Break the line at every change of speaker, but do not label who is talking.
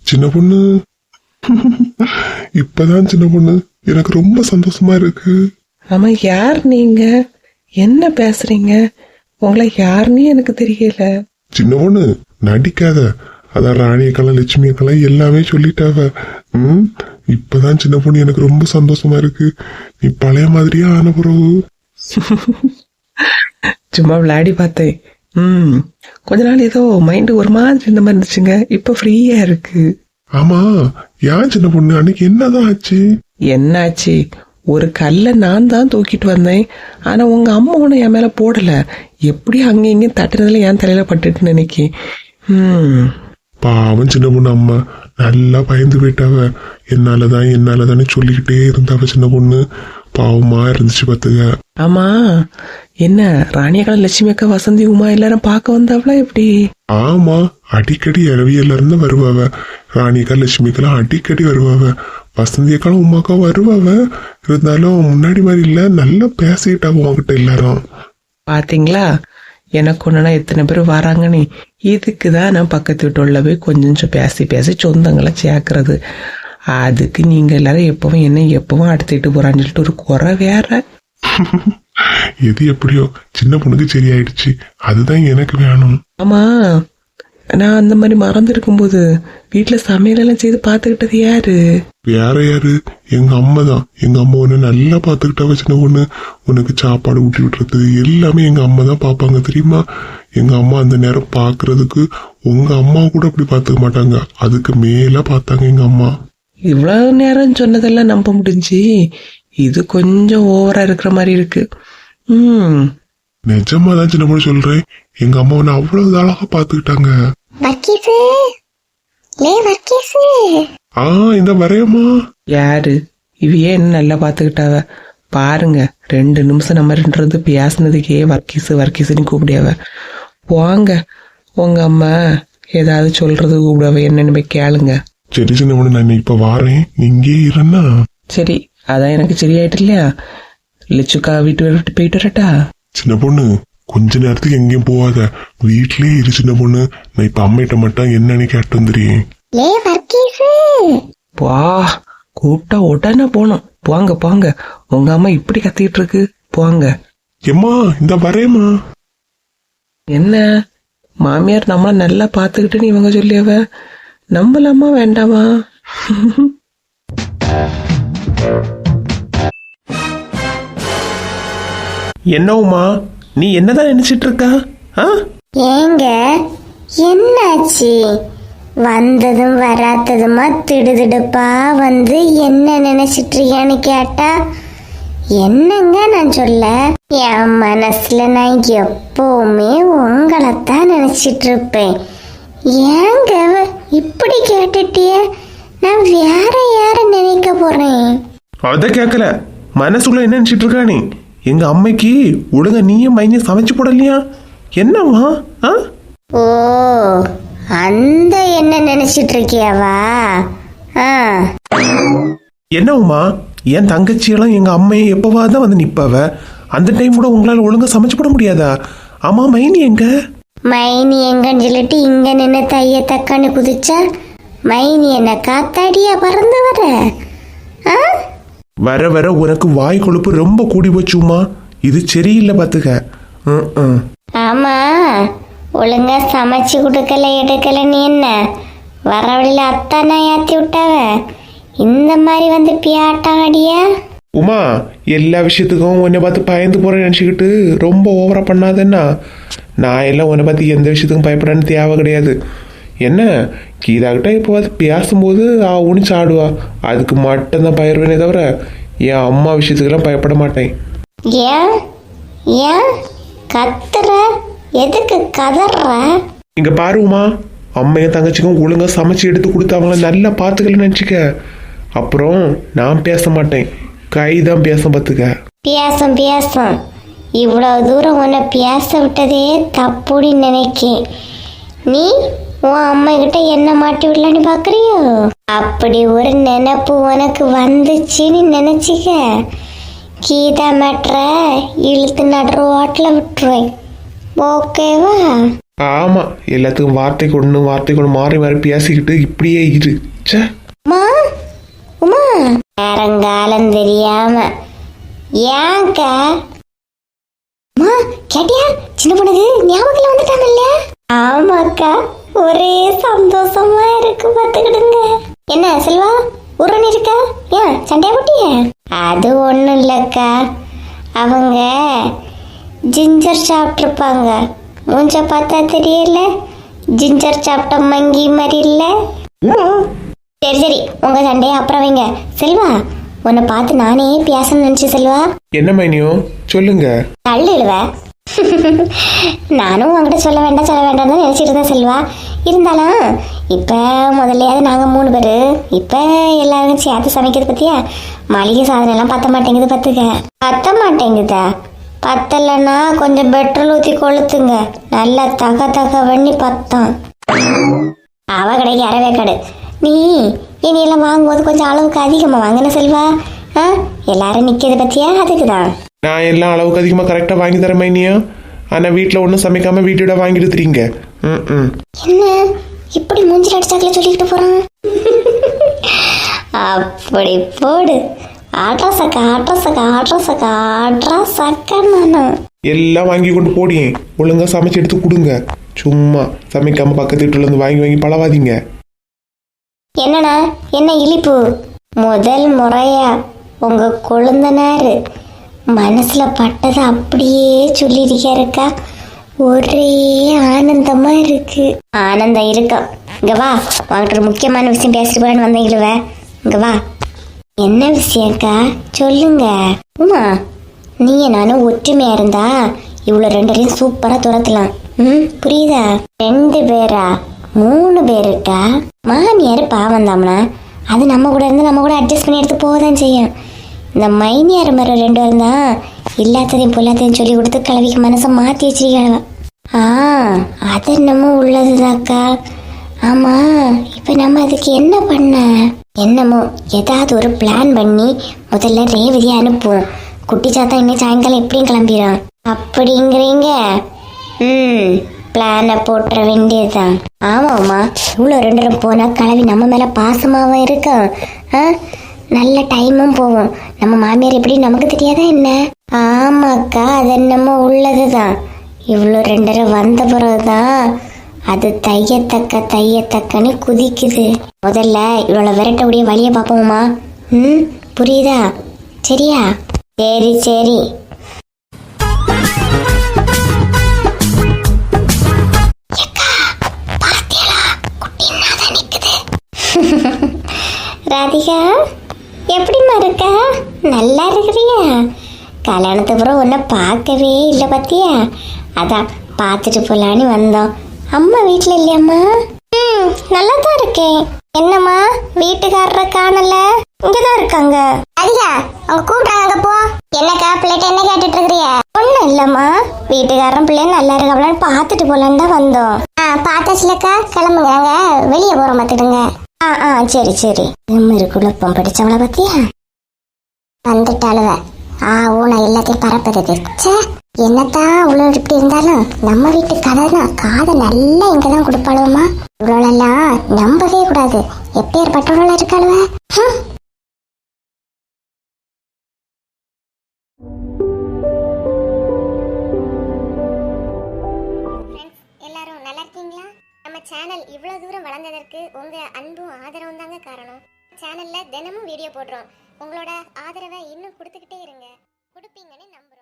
சின்ன பொண்ணு. இப்பதான் சின்ன பொண்ணு எனக்கு ரொம்ப சந்தோஷமா இருக்கு.
ஆமா, யார் நீங்க? என்ன பேசுறீங்க? உங்களை யாருன்னு எனக்கு தெரியல.
சின்ன பொண்ணு நடிக்காத. அதான் ராணியக்கெல்லாம் லட்சுமியக்கெல்லாம் எல்லாமே சொல்லிட்டாவ. இப்பதான் சின்ன பொண்ணு எனக்கு ரொம்ப சந்தோஷமா இருக்கு. நீ பழைய மாதிரியா ஆன பிறகு.
சும்மா விளையாடி பார்த்தேன். கொஞ்ச நாள் ஏதோ மைண்டு ஒரு மாதிரி இருந்த மாதிரி இருந்துச்சுங்க. இப்ப ஃப்ரீயா இருக்கு.
ஆமா, ஏன் சின்ன பொண்ணு அன்னைக்கு என்னதான் ஆச்சு?
என்னாச்சு? ஒரு கல்லை நான் தான் தூக்கிட்டு வந்தேன். ஆனா உங்க அம்மா ஒண்ணு என் மேல போடல. எப்படி அங்க இங்க தட்டுனதுல என் தலையில பட்டுட்டு நினைக்கி.
பாவம் சின்ன பொண்ணு அம்மா நல்லா பயந்து போயிட்டாவ. என்னாலதானே சொல்லிக்கிட்டே இருந்தாவ சின்ன பொண்ணு. பாவமா இருந்துச்சு பாத்துக்க.
ஆமா, என்ன ராணியக்கா லட்சுமி அக்கா வசந்தி உமா எல்லாரும் பார்க்க வந்தாவளா எப்படி?
ஆமா, அடிக்கடி இரவியல்ல இருந்து வருவாவ. ராணியக்கா லட்சுமிக்கெல்லாம் அடிக்கடி வருவாவ. வசந்தி அக்காலும் உமாக்கா வருவாவ. இருந்தாலும் முன்னாடி மாதிரி இல்ல, நல்லா பேசிட்டாவ உங்ககிட்ட எல்லாரும்.
பாத்தீங்களா, எனக்கு ஒண்ணுனா எத்தனை பேர் வராங்கன்னு. இதுக்குதான் நான் பக்கத்து வீட்டுள்ள போய் கொஞ்சம் பேசி பேசி சொந்தங்களை சேர்க்கறது. அதுக்கு நீங்க எல்லாரும் எப்பவும் அடுத்துட்டு போறான்னு சொல்லிட்டு ஒரு குறை வேற.
எது எப்படியோ சின்ன பொண்ணுக்கு சரியாயிடுச்சு. அதுதான் எனக்கு வேணும்.
ஆமா, நான் அந்த மாதிரி மறந்து இருக்கும்போது வீட்டுல சமையல் எல்லாம் செய்து பாத்துக்கிட்டது யாரு?
வேற யாரு? எங்க அம்மா தான். எங்க அம்மா உன்னை நல்லா பாத்துக்கிட்டாவ சின்ன பொண்ணு. உனக்கு சாப்பாடு ஊட்டி விட்டுறது எல்லாமே எங்க அம்மா தான் பாப்பாங்க தெரியுமா? எங்க அம்மா அந்த நேரம் பாக்குறதுக்கு உங்க அம்மா கூட அப்படி பாத்துக்க மாட்டாங்க. அதுக்கு மேல பார்த்தாங்க எங்க அம்மா.
இவ்வளவு நேரம் சொன்னதெல்லாம் நம்ப முடிஞ்சு. இது கொஞ்சம் ஓவரா இருக்கிற மாதிரி இருக்கு.
நிஜமாதான் சின்ன பொண்ணு சொல்றேன். எங்க அம்மா உன்னை அவ்வளவு அழகா பாத்துக்கிட்டாங்க. இந்த வரையம்மா
யாரு இவையே என்ன நல்லா பாத்துக்கிட்டாவ பாருங்க. 2 நிமிஷம் நம்ம ரெண்டு பேசினதுக்கே வர்க்கீஸ்ன்னு கூப்பிடியாவ. போங்க, உங்க அம்மா ஏதாவது சொல்றது கூப்பிடாவ. என்னன்னு போய் கேளுங்க.
சரி சின்ன பொண்ணு, நான் இப்ப வாரேன். நீங்க இருன்னா.
சரி, அதான் எனக்கு சரியாயிட்டு இல்லையா? லட்சுக்கா வீட்டு விட்டு போயிட்டு வரட்டா?
சின்ன பொண்ணு கொஞ்ச நேரத்துக்கு எங்கேயும் போவாத, வீட்லயே இரு சின்ன பொண்ணு. நான் இப்ப அம்மிட்ட மட்டும் என்னன்னு கேட்டு வந்துடுறேன்.
வா, கூப்பிட்டா உடனே போனோம். போங்க போங்க, உங்க அம்மா இப்படி கத்திட்டு இருக்கு. போங்க.
எம்மா இந்த வரேம்மா.
என்ன மாமியார் நம்மள நல்லா பாத்துக்கிட்டுன்னு இவங்க சொல்லியவ, நம்பலாமா வேண்டாமா?
என்னவுமா, நீ என்னதான் நினைச்சிட்டு இருக்கா?
ஏங்க என்னாச்சு? வந்ததும் வராததுமா திடுதிடுப்பா வந்து என்ன நினைச்சிட்டு இருக்கியான்னு கேட்டா என்னங்க நான் சொல்ல? என் மனசுல நான் எப்பவுமே உங்களைத்தான் நினைச்சிட்டு இருப்பேன். ஏங்க இப்படி கேட்டுட்டிய? நான் வேற யார நினைக்க போறேன்?
அத கேட்கல, மனசுக்குள்ள என்ன நினைச்சிட்டு இருக்கா நீ? எங்க அம்மைக்கு ஒழுங்கா நீயும் மைனியும் சமைச்சு போடலையா? என்னவா?
ஓ, அந்த என்ன நினைச்சிட்டு இருக்கியாவா?
என்னவுமா, என் தங்கச்சியெல்லாம் எங்க அம்மையை எப்பவாதான் வந்து நிப்பாவ. அந்த டைம் கூட உங்களால ஒழுங்கா சமைச்சு போட முடியாதா? ஆமா, மைனி எங்க?
மைனி எங்கன்னு சொல்லிட்டு இங்க நின்று தைய தக்கான்னு குதிச்சா மைனி என்ன காத்தாடியா பறந்து
வர வர உனக்கு வாய் கொழுப்பு ரொம்ப கூடி போச்சுமா. இது சரியில்லை பாத்துக்க.
ஆமா, ஒழுங்கா சமைச்சு கொடுக்கல எடுக்கல நீ என்ன வர வழியில அத்தானா ஏத்தி விட்டாவ. இந்த மாதிரி வந்து பியாட்டம் அடியா?
உமா, எல்லா விஷயத்துக்கும் உன்னை பார்த்து பயந்து போறேன்னு நினைச்சுக்கிட்டு ரொம்ப ஓவரா பண்ணாதேன்னா. நான் எல்லாம் உன்னை பார்த்து எந்த விஷயத்துக்கும் பயப்படான்னு தேவை கிடையாது. என்ன கீதாக்கிட்ட இப்போ பார்த்து பேசும்போது உனிச்சு ஆடுவா, அதுக்கு மட்டும்தான் பயிர்வேனே தவிர என் அம்மா விஷயத்துக்கெல்லாம் பயப்பட மாட்டேன்.
ஏன் ஏன் கத்துற? எதுக்கு கதற?
இங்க பாருமா, அம்மையும் தங்கச்சிக்கும் ஒழுங்கா சமைச்சு எடுத்து கொடுத்து அவங்கள நல்லா பார்த்துக்கலன்னு நினச்சிக்க. அப்புறம் நான் பேச மாட்டேன், கைதான் பேச பார்த்துக்க.
பேசும் இவ்வளவு தூரம் உன்னை பேச விட்டதே தப்புன்னு நினைக்கேன். நீ உன் அம்மா கிட்ட என்ன மாட்டி விடலான்னு பாக்குறியோ? அப்படி ஒரு நினைப்பு உனக்கு வந்துச்சுன்னு நினைச்சிக்க, கீதா மேட்ர இழுத்து நடுற ஓட்டில் விட்டுருவேன். ஓகேவா?
ஆமா, எல்லாத்துக்கும் வார்த்தைக்கு ஒன்று மாறி மாறி பேசிக்கிட்டு இப்படியே இரு. ச்சே.
உமா உமா நேரங்காலம் தெரியாம ஏன்க்கா? அம்மா கேட்டியா, சின்ன பொண்ணுக்கு ஞாபகம் வந்துட்டாங்கல்ல? ஆமாக்கா, ஒரே சந்தோஷமா இருக்கு பாத்துக்கிடுங்க. என்ன செல்வா உருன்னு இருக்கா? ஏன் சண்டையா போட்டிய? அது ஒண்ணும் இல்லக்கா, அவங்க ஜிஞ்சர் சாப்பிட்ருப்பாங்க. மூஞ்ச பார்த்தா தெரியல, ஜிஞ்சர் சாப்பிட்ட மங்கி மாதிரி இல்ல. சரி சரி, உங்க சண்டையை அப்புறம் வைங்க. செல்வா, உன்னை பார்த்து நானே பேசணும்னு நினைச்சு. செல்வா
என்ன மைனியோ சொல்லுங்க.
தள்ளிடுவ. நானும் உங்ககிட்ட சொல்ல வேண்டாம்னு நினைச்சிட்டு இருந்தேன் செல்வா. இருந்தாலும் இப்ப முதல்லையாவது நாங்க 3 பேரு, இப்ப எல்லாரும் சேர்த்து சமைக்கிறது பத்தியா மளிகை சாதனம் எல்லாம் பத்த மாட்டேங்குது. பத்த மாட்டேங்குதா? பத்தலைன்னா கொஞ்சம் பெட்ரோல் ஊற்றி கொளுத்துங்க, நல்லா தக பண்ணி பத்தம். அவ கடைக்கு அறவே கடை. நீ இனியெல்லாம் வாங்கும்போது கொஞ்சம் அளவுக்கு அதிகமாக வாங்கின செல்வா. எல்லாரும் நிற்கிறது பத்தியா, அதுக்குதான்.
நான் எல்லாம் அளவுக்கு அதிகமாக கரெக்டாக வாங்கி தரேன் மைனியா. ஆனால் வீட்டில் ஒன்றும் சமைக்காம வீட்டோட வாங்கிட்டு தெரியுங்க.
என்ன இப்படி மூஞ்சில் அடிச்சாக்கல சொல்லிக்கிட்டு போறான்? அப்படி போடு. ஆட்ரா சக்கா நானும்
எல்லாம் வாங்கி கொண்டு போடியே. ஒழுங்கா சமைச்சு எடுத்து கொடுங்க. சும்மா சமைக்காம பக்கத்து வீட்டுல இருந்து வாங்கி பழவாதீங்க.
என்னண்ணா, என்ன இழிப்பு? முதல் முறையா உங்க கொழுந்தனாரு மனசுல பட்டதை அப்படியே சொல்லியிருக்காருக்கா. ஒரே ஆனந்தமா இருக்கு. ஆனந்தம் இருக்கும். இங்க வா, உங்ககிட்ட ஒரு முக்கியமான விஷயம் பேசிட்டு போறேன்னு வந்தீங்கள. இங்க வா. என்ன விஷயம்க்கா, சொல்லுங்க. உமா, நீங்க நானும் ஒற்றுமையா இருந்தா இவ்வளவு 2 பேரையும் சூப்பரா துரத்தலாம். புரியுதா? 2 பேரா 3 பேருக்கா? மாமியார் பாவம் தாம்னா, அது நம்ம கூட இருந்து நம்ம கூட அட்ஜஸ்ட் பண்ணி எடுத்து போகதான் செய்யும். இந்த மைனியார் மாதிரி 2 பேரும் தான் எல்லாத்தையும் பொல்லாத்தையும் சொல்லி கொடுத்து கிளவிக்கு மனசை மாற்றி வச்சிருக்காங்க. அது என்னமோ உள்ளதுதாக்கா. ஆமா, இப்ப நம்ம அதுக்கு என்ன பண்ண? என்னமோ ஏதாவது ஒரு பிளான் பண்ணி முதல்ல ரேவதியை அனுப்புவோம். குட்டி சாத்தா இன்னும் சாயங்காலம் எப்படியும் கிளம்பிடும். அப்படிங்கிறீங்க? பிளானை போட்டுற வேண்டியதுதான். ஆமாம்மா, இவ்வளோ 2 பேரும் போனா கிளவி நம்ம மேல பாசமாவும் இருக்கும். நல்ல டைமும் போகும். நம்ம மாமியார் எப்படி நமக்கு தெரியாதா என்ன? ஆமாக்கா, அது என்னமோ உள்ளதுதான். இவ்வளோ 2 பேரும் வந்த பிறகுதான் அது தையத்தக்கன்னு குதிக்குது. முதல்ல இவ்வளோ விரட்டக்கூடிய வழியை பார்ப்போமா? புரியுதா? சரியா? சரி. ராதிகா, எப்படிமா இருக்க? நல்லா இருக்கிறியா? கல்யாணத்துக்கு அப்புறம் உன்னை பார்க்கவே இல்லை பத்தியா? அதான் பார்த்துட்டு போலான்னு வந்தோம். அம்மா வீட்டில் இல்லையம்மா? நல்லா தான் இருக்கேன். என்னம்மா வீட்டுக்காரரை காணல? இங்கதான் இருக்காங்க. ராதிகா, அவங்க கூப்பிட்டாங்க, போ. என்னக்கா பிள்ளைகிட்ட என்ன கேட்டுட்டு இருக்கிறிய? ஒன்றும் இல்லம்மா, வீட்டுக்காரன் பிள்ளை நல்லா இருக்காங்களான்னு பார்த்துட்டு போலான்னு தான் வந்தோம். பார்த்தாச்சுலக்கா, கிளம்புங்க, நாங்க வெளியே போறோம், பார்த்துடுங்க. சரி. குழப்பம் படிச்சவளை பத்தியா வந்துட்டாளுவ. ஊனா எல்லாத்தையும் பரப்புறது. என்னத்தான் அவ்வளோ இப்படி இருந்தாலும் நம்ம வீட்டு கதை தான். காதை நல்லா இங்கதான் கொடுப்பாளுவமா. இவ்வளோலாம் நம்பவே கூடாது. எப்பேற்பட்டவளா இருக்காளுவ. எல்லாரும் நல்லா இருக்கீங்களா? நம்ம சேனல் இவ்வளவு தூரம் வளர்ந்ததற்கு உங்க அன்பும் ஆதரவும் தாங்க காரணம். சேனல்ல தினமும் வீடியோ போடுறோம். உங்களோட ஆதரவை இன்னும் கொடுத்துக்கிட்டே இருங்க. கொடுப்பீங்கன்னு நம்புறோம்.